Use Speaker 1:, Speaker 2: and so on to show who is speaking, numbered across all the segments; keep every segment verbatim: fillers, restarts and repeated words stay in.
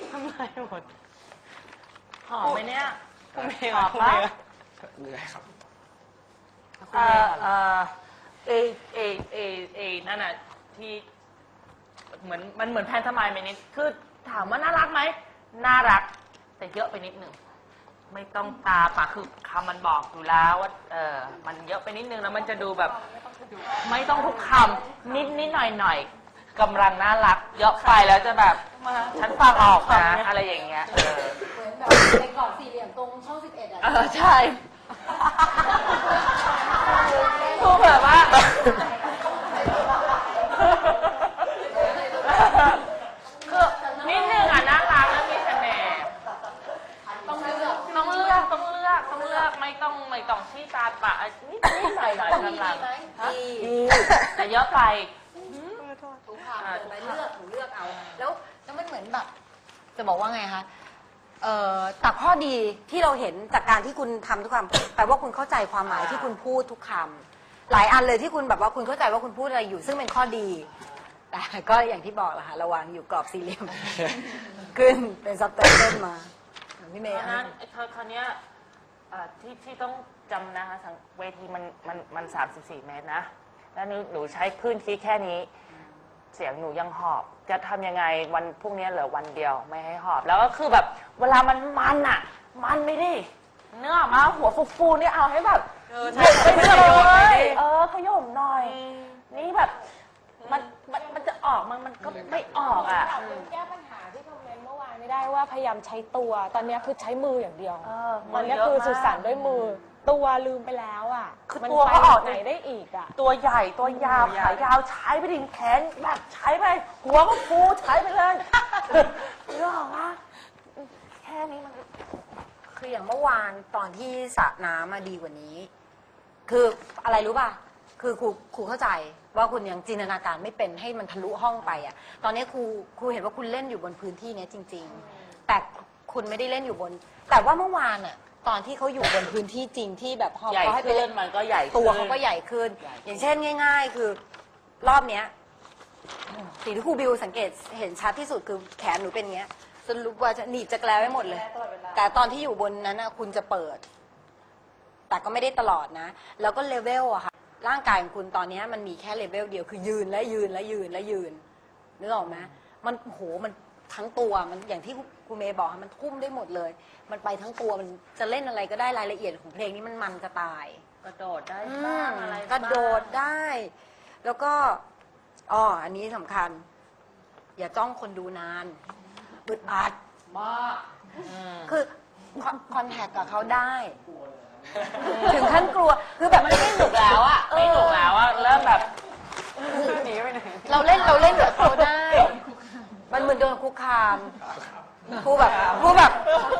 Speaker 1: ทำไมหมดหอมไหมเนี่ยหอมปะ
Speaker 2: เหนื่อยครับ
Speaker 1: เออเออเอเอเอเอนั่นน่ะที่เหมือนมันเหมือนแพนทมายไหมนิดคือถามว่าน่ารักไหมน่ารักแต่เยอะไปนิดหนึ่งไม่ต้องตาปากคือคำมันบอกอยู่แล้วว่าเออมันเยอะไปนิดนึงแล้วมันจะดูแบบไม่ต้องทุกคำนิดนิดหน่อยหน่อยกำลังน่ารักเยอะไปแล้วจะแบบฉันฟังออกนะอะไรอย่างเงี้ยเออ
Speaker 3: เหมือนแบบในกรอบสี่เหลี่ยมตรงช่องสิบเอ็ดอ่ะ
Speaker 1: เออใช่พูดแบบว่าคือนิดนึงอ่ะน่ารักแล้วมีเสน่ห์ต้องเลือกต้องเลือกต้องเลือกต้องเลือกไม่ต้องไม่ต้องชี้ตาปะนิดนิดหน่อยหน่อยกำลังแต่เยอะไป
Speaker 3: ถูกค่ะไปเลือกถูกเลือกเอาแล้วแล้วมันเหมือนแบบจะบอกว่าไงคะเอ่อแต่ข้อดีที่เราเห็นจากการที่คุณทำทุกคำแปลว่าคุณเข้าใจความหมายที่คุณพูดทุกคำหลายอันเลยที่คุณแบบว่าคุณเข้าใจว่าคุณพูดอะไรอยู่ซึ่งเป็นข้อดีแต่ก็อย่างที่บอกแหละค่ะระวังอยู่กรอบสี่เหลี่ยมขึ้นเป็นซับไตเติลมาพี่เมย์
Speaker 1: นั้นคราวนี้ที่ที่ต้องจำนะคะเวทีมันมันมันสามสิบสี่เมตรนะแล้วหนูใช้พื้นที่แค่นี้เสียงหนูยังหอบจะทำยังไงวันพรุ่งนี้เหลือวันเดียวไม่ให้หอบแล้วก็คือแบบเวลามันมันอ่ะมันไม่ดิเนื้อมาหัวฟูๆนี่เอาให้แบบเออใช่ไปเลยเออขย่มหน่อยนี่แบบมันมันมันจะออกมันมันก็ไม่ออกอ่ะ
Speaker 4: แก้ปัญหาที่คอมเมนต์เมื่อวานไม่ได้ว่าพยายามใช้ตัวตอนนี้คือใช้มืออย่างเดียวตอนนี้คือสื่อสารด้วยมือตัวลืมไปแล้วอ่ะ
Speaker 1: คือตัวเขาออก
Speaker 4: ไหนได้อีกอ่ะ
Speaker 1: ตัวใหญ่ตัวยาวขายาวใช้ไปดิแขนแบบใช้ไปหัวก็ฟูใช้ไปเลยเรื่องว่าแค่นี้มัน
Speaker 3: คืออย่างเมื่อวานตอนที่สระน้ำมาดีกว่านี้คืออะไรรู้ป่ะคือครูครูเข้าใจว่าคุณยังจินตนาการไม่เป็นให้มันทะลุห้องไปอ่ะตอนนี้ครูครูเห็นว่าคุณเล่นอยู่บนพื้นที่นี้จริงๆแต่คุณไม่ได้เล่นอยู่บนแต่ว่าเมื่อวานอ่ะตอนที่เขาอยู่บนพื้นที่จริงที่แบบพอเขาให้ไปเล่น
Speaker 1: มันก็ใหญ่
Speaker 3: ตัวเขาก็ใหญ่ขึ้นอย่างเช่นง่ายๆคือรอบเนี้ยสิ่งที่ครูบิวสังเกตเห็นชัดที่สุดคือแขนหนูเป็นอย่างเงี้ยสรุปว่าจะหนีบจะแกล้วไว้หมดเลยแต่ตอนที่อยู่บนนั้นนะคุณจะเปิดแต่ก็ไม่ได้ตลอดนะแล้วก็เลเวลอะค่ะร่างกายของคุณตอนนี้มันมีแค่เลเวลเดียวคือยืนและยืนและยืนและยืนนึกออกไหมมันโหมันทั้งตัวมันอย่างที่ครูเมย์บอกมันทุ่มได้หมดเลยมันไปทั้งตัวมันจะเล่นอะไรก็ได้รายละเอียดของเพลงนี้มันมันจะตาย
Speaker 1: กระโดดได้บ้างอะไร
Speaker 3: กระโดดได้แล้วก็อ๋ออันนี้สำคัญอย่าจ้องคนดูนานอึดอัด
Speaker 1: มาก
Speaker 3: คือคอนแทคกับเขาได้ถึงขั้นกลัวคือแบบ
Speaker 1: ไม่ไม่หนุกแล้วอะไม่หนุกแล้วอะเริ่มแบบหนีไปไหน
Speaker 3: เราเล่นเราเล่นกับเขาได้มันเหมือนโดนคุกคามครูแบบครูแบบ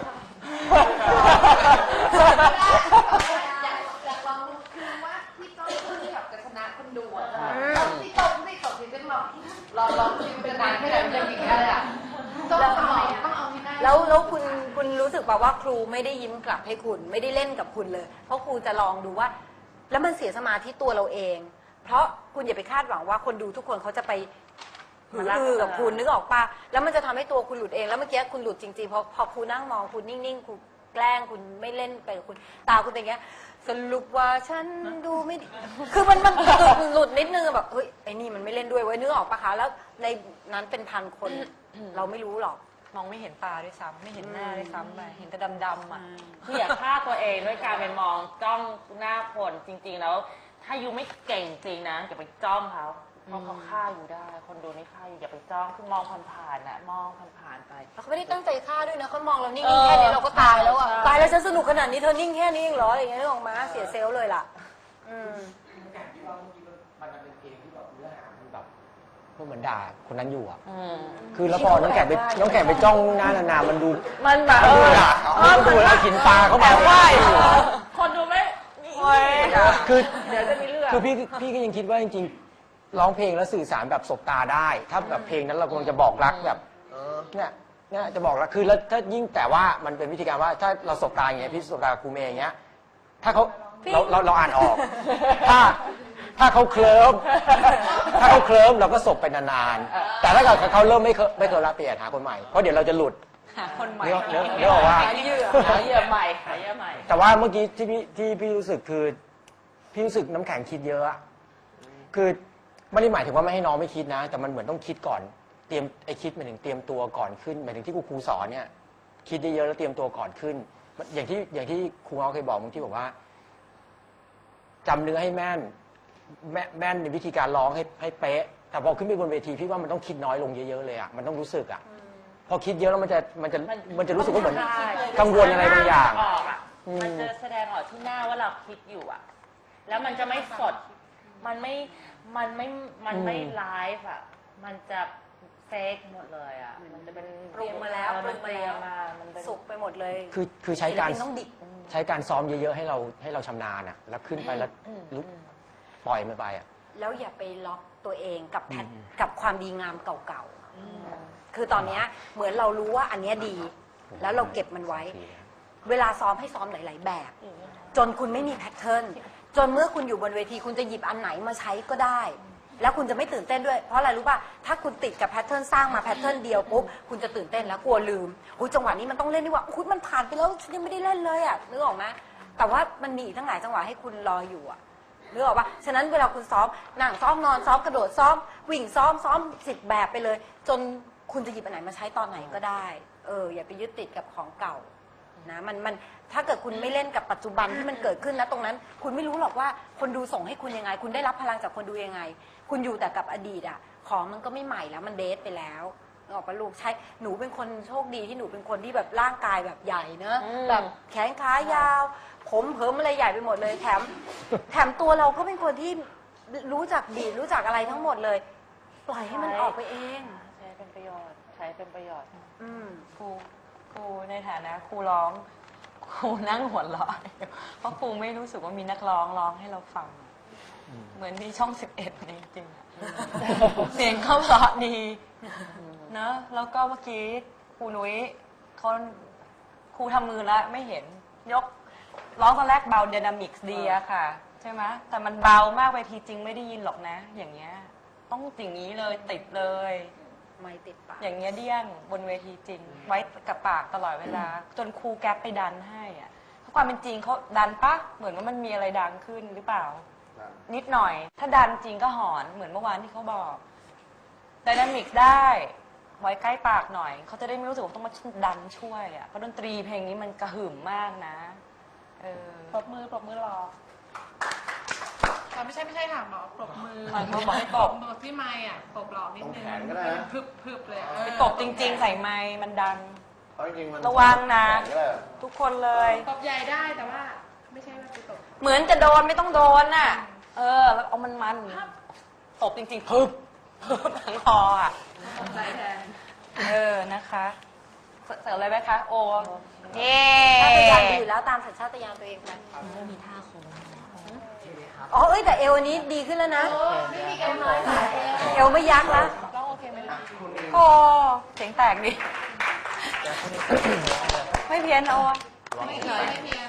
Speaker 5: อยากลองคือว่าพี่ต้นที่แบบจะชนะคนดูอ่ะพี่ต้นที่ตกที่เป็นลองลองลองชิมเป็นนานแค่ไหนมันจะยิงได้อ่ะต้องเอาต้องเอาที่ได้
Speaker 3: แล้วแล้วคุณคุณรู้สึกแบบว่าครูไม่ได้ยิ้มกลับให้คุณไม่ได้เล่นกับคุณเลยเพราะครูจะลองดูว่าแล้วมันเสียสมาธิตัวเราเองเพราะคุณอย่าไปคาดหวังว่าคนดูทุกคนเขาจะไปหืออือกับคุณนึกออกปะแล้วมันจะทำให้ตัวคุณหลุดเองแล้วเมื่อกี้คุณหลุดจริงๆพอพอครูนั่งมองคุณนิ่งๆครูแกล้งคุณไม่เล่นไปกับคุณตาคุณเป็นอย่างเงี้ยสรุปว่าฉันดูไม่ดีคือมันมันหลุดนิดนึงแบบเฮ้ยไอ้นี่มันไม่เล่นด้วยเว้ยนึกออกปะคะแล้วในนั้นเป็นพันคนเราไม่รู้หรอก
Speaker 4: มองไม่เห็นตาด้วยซ้ำไม่เห็นหน้าด้วยซ้ำไปเห็นแต่ดำๆอ่ะ
Speaker 1: คืออย่าฆ่าตัวเองด้วยการไปมองจ้องหน้าคนจริงๆแล้วถ้ายูไม่เก่งจริงนะอย่าไปจ้องเขาเพราะเขาฆ่าอยู่ได้คนดูนี่ฆ่าอยู่อย่าไปจ้องคือมองผ่านๆนะมองผ่านๆไป
Speaker 3: เขาไม่ได้ตั้งใจฆ่าด้วยนะเขามองเรานิ่งๆแค่นี้เราก็ตายแล้วอ่ะตายแล้วฉันสนุกขนาดนี้เธอนิ่งแค่นี้เองเหรออย่างเงี้ยนึกออกมาเสียเซลล์เลยล่ะอืม
Speaker 2: การที่ว่าเมื่อกี้มันเป็นเพลงที่แบบเนื้อหามันแบบพวกเหมือนด่าคนนั้นอยู่อ่ะคือแล้วพอน้องแขกไปน้องแขกไปจ้องหน้านานๆมันดู
Speaker 1: มันแบบ
Speaker 2: ดูด่าเขาดูแล้วหินปลาเขาแบบ
Speaker 1: ว่าคนดูไม่
Speaker 2: คือเดี๋ยวจะมีเรื่องคือพี่พี่ก็ยังคิดว่าจริงๆร้องเพลงแล้วสื่อสารแบบสบตาได้ถ้าแบบเพลงนั้นเรากำลังจะบอกรักแบบเนี่ยเนี่ยจะบอกรักคือแล้วถ้ายิ่งแต่ว่ามันเป็นวิธีการว่าถ้าเราสบตาอย่างเงี้ยพี่สบตาครูเมย์อย่างเงี้ยถ้าเขาเราเราเราอ่านออกถ้าถ้าเขาเคลิ้มถ้าเขาเคลิ้มเราก็สบไปนานๆแต่ถ้าเกิดเขาเริ่มไม่ไม่เคลิ้มละเปลี่ยนหาคนใหม่เพราะเดี๋ยวเราจะหลุด
Speaker 1: หาคนใหม่
Speaker 2: เรียกเรียกเรียกว่า
Speaker 1: หาเหยื่อหาเหยื่อใหม่หาเหยื่อใหม่
Speaker 2: แต่ว่าเมื่อกี้ที่พี่ที่พี่รู้สึกคือพี่รู้สึกน้ำแข็งคิดเยอะอะคือไม่ได้หมายถึงว่าไม่ให้น้องไม่คิดนะ แต่มันเหมือนต้องคิดก่อนเตรียมไอคิดหมายถึงเตรียมตัวก่อนขึ้นหมายถึงที่ครูครูสอนเนี่ยคิดได้เยอะแล้วเตรียมตัวก่อนขึ้น อย่างที่อย่างที่ครูเขาเคยบอกบางที่บอกว่าจำเนื้อให้แม่นแม่แม่นในวิธีการร้องให้ให้เป๊ะแต่พอขึ้นไปบนเวทีพี่ว่ามันต้องคิดน้อยลงเยอะๆเลยอะมันต้องรู้สึกอะพอคิดเยอะแล้วมันจะมันจะมันจะรู้สึกว่าเหมือนกังวลอะไรบางอย่าง
Speaker 1: ออกอ่ะมันจะแสดงออกที่หน้าว่าเราคิดอยู่อ่ะ แล้วมันจะไม่สด มันไม่ มันไม่ มันไม่ไลฟ์อ่ะ มันจะเฟกหมดเลยอ่ะ มันจะเป็น
Speaker 3: ปรุงมาแล้วปรุงมาแล้ว
Speaker 1: มามันเป็น
Speaker 3: สุกไปหมดเลย
Speaker 2: คือคือใช้การ
Speaker 3: ศิลปินต้องดิบ
Speaker 2: ใช้การซ้อมเยอะๆให้เราให้เราชำนาญอะแล้วขึ้นไปแล้วลุกปล่อยมันไปอะ
Speaker 3: แล้วอย่าไปล็อกตัวเองกับแพทกับความดีงามเก่าๆ คือตอนเนี้ยเหมือนเรารู้ว่าอันเนี้ยดี แล้วเราเก็บมันไว้ เวลาซ้อมให้ซ้อมหลาย ๆ แบบ จนคุณไม่มีแพทเทิร์น จนเมื่อคุณอยู่บนเวทีคุณจะหยิบอันไหนมาใช้ก็ได้ แล้วคุณจะไม่ตื่นเต้นด้วย เพราะอะไรรู้ป่ะ ถ้าคุณติดกับแพทเทิร์นสร้างมาแพทเทิร์นเดียวปุ๊บ คุณจะตื่นเต้นแล้วกลัวลืมอุ้ยจังหวะนี้มันต้องเล่นดีกว่าอุ้ยมันผ่านไปแล้วฉันยังไม่ได้เล่นเลยอ่ะนึกออกไหมแต่ว่ามันมีอีกทั้งหลายจังหวะให้คุณรออยู่อ่ะนึกออกป่ะ ฉะนั้นเวลาคุณซ้อมนั่งซ้อมนอนซ้อมกระโดดซ้อมวิ่งซ้อมซ้อมสิบแบบไปเลย จนคุณจะหยิบอันไหนมาใช้ตอนไหนก็ได้ เอออย่าไปยึดติดกับของเก่านะมันมันถ้าเกิดคุณไม่เล่นกับปัจจุบันที่มันเกิดขึ้นนะตรงนั้น คุณไม่รู้หรอกว่าคนดูส่งให้คุณยังไง คุณได้รับพลังจากคนดูยังไง คุณอยู่แต่กับอดีตอ่ะของมันก็ไม่ใหม่แล้วมันเดทไปแล้วนึกออกปะลูกใช่หนูเป็นคนโชคดีที่หนูเป็นคนที่แบบร่างกายแบบใหญ่เนอะแบบแขนขายาว ผมเผิมอะไรใหญ่ไปหมดเลยแถมแถมตัวเราก็เป็นคนที่รู้จักบีดรู้จักอะไรทั้งหมดเลย ปล่อยให้มันออกไปเอง
Speaker 1: ใช้เป็นประโยชน์ ใช้เป็นประโยชน์
Speaker 3: อืม
Speaker 1: ครูครูในฐานะครูร้องครูนั่งหัวเราะเพราะครูไม่รู้สึกว่ามีนักร้องร้องให้เราฟัง เหมือนที่ช่องสิบเอ็ดจริงๆเสียงเขาเพราะดีเนอะแล้วก็เมื่อกี้ครูนุ้ยเขาครูทำมือแล้วไม่เห็นยกร้องตอนแรกเบา d y นามิกส์ดีอะค่ะ ใช่ไหมแต่มันเบามากไปทีจริงไม่ได้ยินหรอกนะ อย่างเงี้ยต้องอย่างนี้เลยติดเลย
Speaker 3: ไม่ติดปาก
Speaker 1: อย่างเงี้ยเดี้ยงบนเวทีจริง ไว้กับปากตลอดเวลา จนครูแก๊ปไปดันให้อะเพราะความเป็นจริงเขาดันปะเหมือนว่ามันมีอะไรดังขึ้นหรือเปล่า นิดหน่อย ถ้าดันจริงก็หอนเหมือนเมื่อวานที่เขาบอกไดนามิกได้ ไว้ใกล้ปากหน่อยเขาจะได้ไม่รู้สึกว่าต้องมาดันช่วยอ่ะเพราะดนตรีเพลงนี้มันกระหึ่มมากนะเออ
Speaker 5: ปรบมือปรบมือรอไม่ใช่ไม่ใช่ค่ะหมอปรบมือ
Speaker 1: เขาบอกให้ตบ
Speaker 5: ปรบที่ไม้อ่ะปรบหลอกนิดนึง
Speaker 6: ตรงแขนก็ได้นะ
Speaker 5: พึบพึบเลยอะ
Speaker 1: ไปตบจริง ๆ ใส่ไม้มันดัน
Speaker 6: เพราะจริงๆมัน
Speaker 1: ระวังนะ
Speaker 6: แขก็ได้
Speaker 1: ทุกคนเลย
Speaker 5: ปรบใหญ่ได้แต่ว่าไม่ใช่ว่าไปตบ
Speaker 1: เหมือนจะโดนไม่ต้องโดนน่ะ เออ แล้วเอามันมันตบจริงๆพึบพึบทั้งคออ่ะ
Speaker 5: ตบใจแทน
Speaker 1: เออนะคะเสริมอะไรไหมคะโอเย้
Speaker 3: ชาตยานดีอยู่แล้วตามสัญชาตญาณตัวเองไปไม่มีท่าโค้งอ๋อเอ้ยแต่เอวอันนี้ดีขึ้นแล้วนะ
Speaker 5: ไม่มีกันน้อยค่ะ
Speaker 3: เอวไม่ยักแล้ว
Speaker 5: ร้องโอเคไหมล่ะ
Speaker 1: โอ้เสียงแตกดิไม่เพี้ยนโอ
Speaker 5: ไม่เพี้ยนไม่เพี้ยน